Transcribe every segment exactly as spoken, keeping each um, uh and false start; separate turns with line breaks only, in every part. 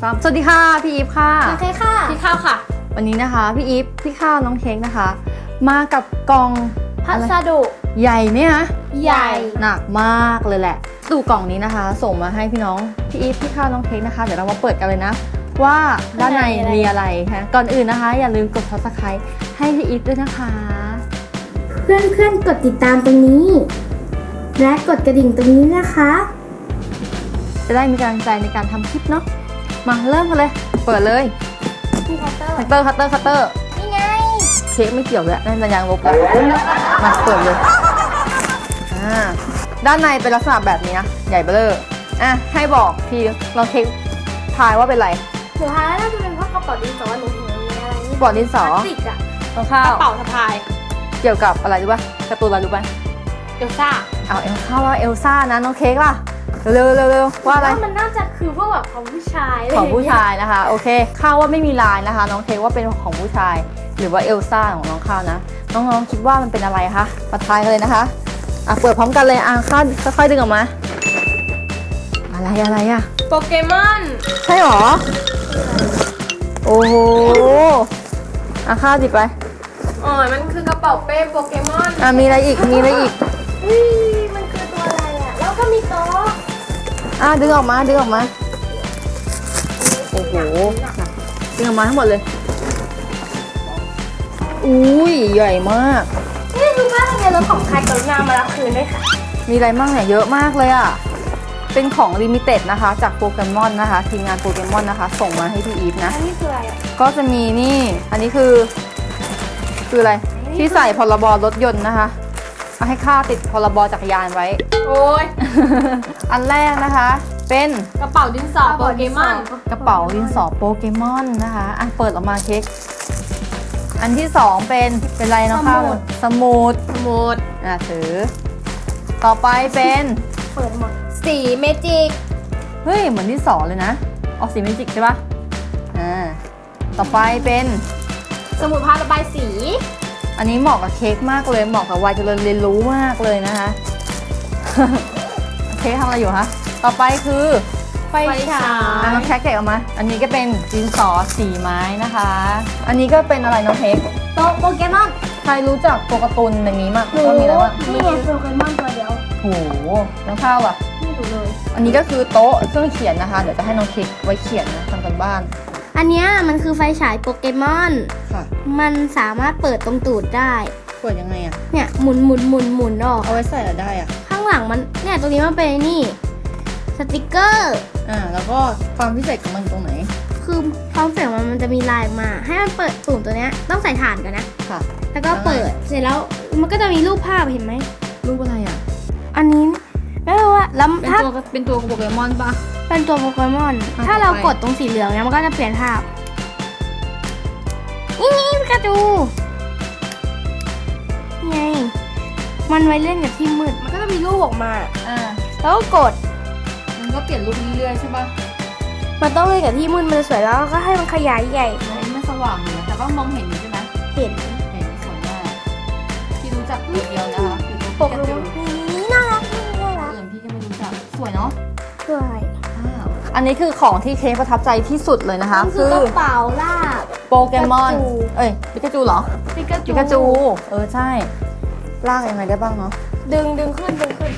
สามสวัสดีค่ะพี่อีฟค่ะ
โอเคค่ะพี่ข้าวค่ะ
วันนี้นะคะพี่อีฟพี่ข้าวน้องเค้กนะคะมากับกล่อง
พัสดุ
ใหญ่ไหมคะ
ใหญ่
หนักมากเลยแหละตู้กล่องนี้นะคะ ส่งมาให้พี่น้องพี่อีฟพี่ข้าวน้องเค้กนะคะเดี๋ยวเรามาเปิดกันเลยนะว่าด้านในมีอะไรคะก่อนอื่นนะคะอย่าลืมกด ซับสไครบ์ ให้พี่อีฟด้วยนะคะ
เพื่อนๆกดติดตามตรงนี้และกดกระดิ่งตรงนี้นะคะ
จะได้มีกำลังใจในการทำคลิปเนาะมาเริ่มกันเลยเปิดเลย
พี่คัตเตอร์
คัตเตอร์คัตเตอร์คัตเตอร์
นี่ไง
เค้กไม่เกี่ยวเลยนั่นสัญญาณลบแล้วมาเปิดเลยอ่าด้านในเป็นลักษณะแบบนี้นะใหญ่เบ้ออ่ะให้บอกพี่ลองเค้กทายว่าเป็นไร
หนูทายน่าจะเป็นเพราะกระเป๋าดินสอหนูเห็นมีอะไรนี่
กระเป๋าดินสอ
พลาสติกอะ
รองเท้าก
ระเป๋าสะพาย
เกี่ยวกับอะไรรู้ป่ะการ์ตูนอะไรรู้ป่ะ
เอลซ่า
เอาเอลซ่าว่าเอลซ่านะน้องเค้กล่ะเร็วเร็วเร็วว่าอะไร
มันน่าจะคือพวกแบบของผู้ชาย
ของผู้ชายนะคะโอเคข้าวว่าไม่มีลายนะคะน้องเค้กว่าเป็นของผู้ชายหรือว่าเอลซ่าของน้องข้าวนะน้องๆคิดว่ามันเป็นอะไรคะมาทายกันเลยนะคะอ่ะเปิดพร้อมกันเลยอ่ะข้าวค่อยๆดึงออกมาอะไรอะไรอ่ะ
โปเกมอน
ใช่หรอโอ้โหอ่ะข้าวดิบไป
อ๋อมันคือกระเป๋าเป้โปเกมอน
อ่ะมีอะไรอีกมีอะไรอีก
เฮ้ยมันคือตัวอะไรอ่ะแล้วก็มีโต๊ะ
อ่ะดึงออกมาดึงออกมาโอ้โหดึงออกมาทั้งหมดเลยอุ้ยใหญ่มาก
นี่คือว่าทะเบียนรถของใครกรุณามารับคืนด้วยค่ะ
มีอะไรบ้างเนี่ยเยอะมากเลยอ่ะเป็นของลิมิเต็ดนะคะจากโปเกมอนนะคะทีมงานโปเกมอนนะคะส่งมาให้พี่อีฟนะ
อันนี้คืออะไรอ่ะ
ก็จะมีนี่อันนี้คือคืออะไรที่ใส่พรบรถยนต์นะคะเอาให้ค่าติดพรบจักรยานไว้
โอ้ย
อันแรกนะคะเป็น
กระเป๋าดินสอโปเกมอน
กระเป๋าดินสอโปเกมอนนะคะอ่ะเปิดออกมาเค้กอันที่สองเป็นเป็นอะไรเนาะคะสมุด
สมุด
อ่ะถือต่อไปเป็น
เปิดหมดสีเมจิก
เฮ้ยเหมือนที่สองเลยนะออกสีเมจิกใช่ปะอ่าต่อไปเป็น
สมุดพาระบายสี
อันนี้เหมาะกับเค้กมากเลยเหมาะกับวัยเจริญเรียนรู้มากเลยนะคะ เค้กทำอะไรอยู่คะต่อไปคือ
ไฟฉาย
น้องแคกแกะออกมาอันนี้ก็เป็นดินสอสีไม้นะคะอันนี้ก็เป็นอะไรน้องเค้ก
โต๊ะโปเกมอน
ใครรู้จักตัวการ์ตูนอย่างนี้มั้งก็มีอะไรบ้าง
นี่ไงโปเกมอนตัวเดียว
โหน้องข้าวอ่ะ
ไม่รู้เลย
อันนี้ก็คือโต๊ะเครื่องเขียนนะคะเดี๋ยวจะให้น้องเค้กไว้เขียนนะทำกันบ้าน
อันนี้มันคือไฟฉายโปเกมอน
ค่ะ
มันสามารถเปิดตรงตูดได้
เปิดยังไงอ่ะ
เนี่ยหมุนหมุนหมุนหมุนออก
เอาไว้ใส่อะไรได้อ่ะ
ข้างหลังมันเนี่ยตรงนี้มันเป็นนี่สติกเกอร์
อ่าแล้วก็ความพิเศษของมันตรงไหน
คือความเสียงมันมันจะมีลายมาให้มันเปิดปุ่มตัวเนี้ยต้องใส่ถ่านกันนะ
ค่ะ
แล้วก็เปิดเสร็จแล้วมันก็จะมีรูปภาพเห็นไหม
รูปอะไรอ่ะ
อันนี้ไม่รู้ว่าแล้ว
ถ้าเป็นตัวโปเกมอนปะ
เป็นตัวโปเกมอนถ้าเรากดตรงสีเหลืองเนี่ยมันก็จะเปลี่ยนภาพนี่นี่ปิกาจูไงมันไว้เล่นกับที่มืด
มันก็จะมีรูปออกมา
อ่า
แล้วก็กด
มันก็เปลี่ยนรูปเรื่อยๆใช่ปะ
มันต้องเล่นกับที่มืดมันจะสวยแล้วก็ให้มันขยายใหญ่
ไม่สว่างอยู่นะแต่ก็มองเห็นอยู่ใช่ไหม
เห็น
เห็นสวยมากที่รู้จักตัวเดียวนะคะคือตัว
โปเกมอนนี่น่ารักน่ารัก
อื่นพี่ก็ไม่รู้จักสวยเนาะ
สวย
อันนี้คือของที่เค้กประทับใจที่สุดเลยนะคะ
คือกระเป๋าลาบ
โปเกมอนเอ้ยปิกาจูเหรอ
ปิกาจู
ปิกาจูเออใช่ลากยังไงได้บ้างเนาะ
ดึงดึงขึ้นดึงขึ้น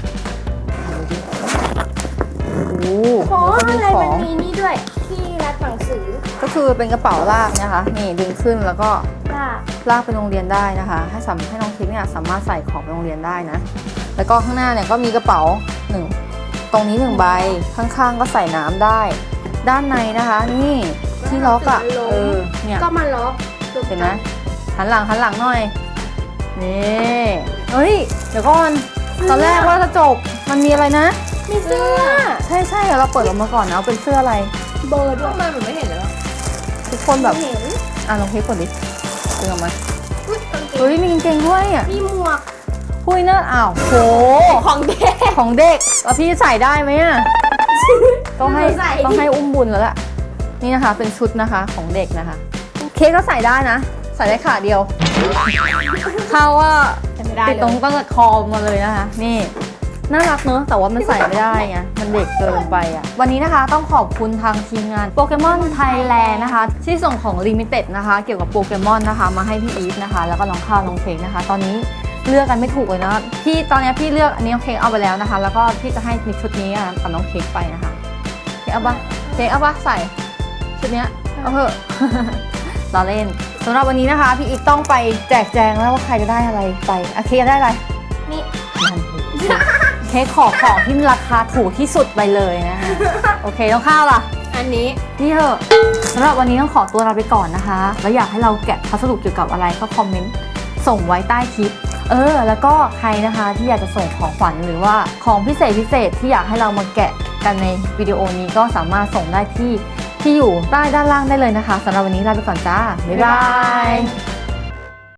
โอ้โห
อะไรมันมีนี่ด้วยที่รัดหนังสือ
ก็คือเป็นกระเป๋าลากนะคะนี่ดึงขึ้นแล้วก็
ลาก
ลากไปโรงเรียนได้นะคะให้สามให้น้องคิดเนี่ยสามารถใส่ของไปโรงเรียนได้นะแล้วก็ข้างหน้าเนี่ยก็มีกระเป๋าหนึ่งตรงนี้หนึ่งใบข้างๆก็ใส่น้ำได้ด้านในนะคะนี่ที่ล็อกอ่ะเออเนี่ย
ก็มาล็อก
เห็นไหมหันหลังหันหลังหน่อยนี่เฮ้ยเดี๋ยวก่อนตอนแรกว่าจะจบมันมีอะไรนะ
มีเสื้อ
ใช่ใช่เดี๋ยวเราเปิดออกมาก่อนนะเป็นเสื้ออะไร
เบอร์ด้วยทำไมเหมือนไม่เห็นเลย
ทุกคนแบบ
เห็น
อ่ะลองเทสก่อนดิดึงออกมาเฮ้ยมีกางเกงด้วยอ่ะ
มีหมวก
พุ้ยเนอะอ้าวโห
ของเด็ก
ของเด็กแล้วพี่ใส่ได้ไหมอ่ะต้องให้ต้องให้อุ้มบุญแล้วล่ะนี่นะคะเป็นชุดนะคะของเด็กนะคะเค้กก็ใส่ได้นะใส่ได้ขาเดียวเขาว่าติดตรงตั้งแต่คอมาเลยนะคะนี่น่ารักเนอะแต่ว่ามันใส่ไม่ได้ไงมันเด็กเกินไปอ่ะวันนี้นะคะต้องขอบคุณทางทีมงานโปเกมอนไทยแลนด์นะคะที่ส่งของลิมิเต็ดนะคะเกี่ยวกับโปเกมอนนะคะมาให้พี่อีฟนะคะแล้วก็น้องข้าวน้องเค้กนะคะตอนนี้เลือกกันไม่ถูกเลยนะพี่ตอนนี้พี่เลือกอันนี้น้องเค้กเอาไปแล้วนะคะแล้วก็พี่จะให้ชุดนี้กับน้องเค้กไปนะคะเค้กเอาปะเค้กเอาปะใส่ชุดเนี้ยเอาเถอะ เราเล่นสำหรับวันนี้นะคะพี่อีฟต้องไปแจกแจงแล้วว่าใครจะได้อะไรไปอะเค้กได้อะไร
นี่
มันเค้กขอของที่ราคาถูกที่สุดไปเลยนะคะโอเคน้องข้าวล่ะ
อันนี้
นี่เถอะสำหรับวันนี้ต้องขอตัวลาไปก่อนนะคะแล้วอยากให้เราแกะพัสดุเกี่ยวกับอะไรก็คอมเมนต์ส่งไว้ใต้คลิปเออแล้วก็ใครนะคะที่อยากจะส่งของขวัญหรือว่าของพิเศษพิเศษที่อยากให้เรามาแกะกันในวิดีโอนี้ก็สามารถส่งได้ที่ที่อยู่ใต้ด้านล่างได้เลยนะคะสำหรับวันนี้ลาไปก่อนจ้าบ๊ายบาย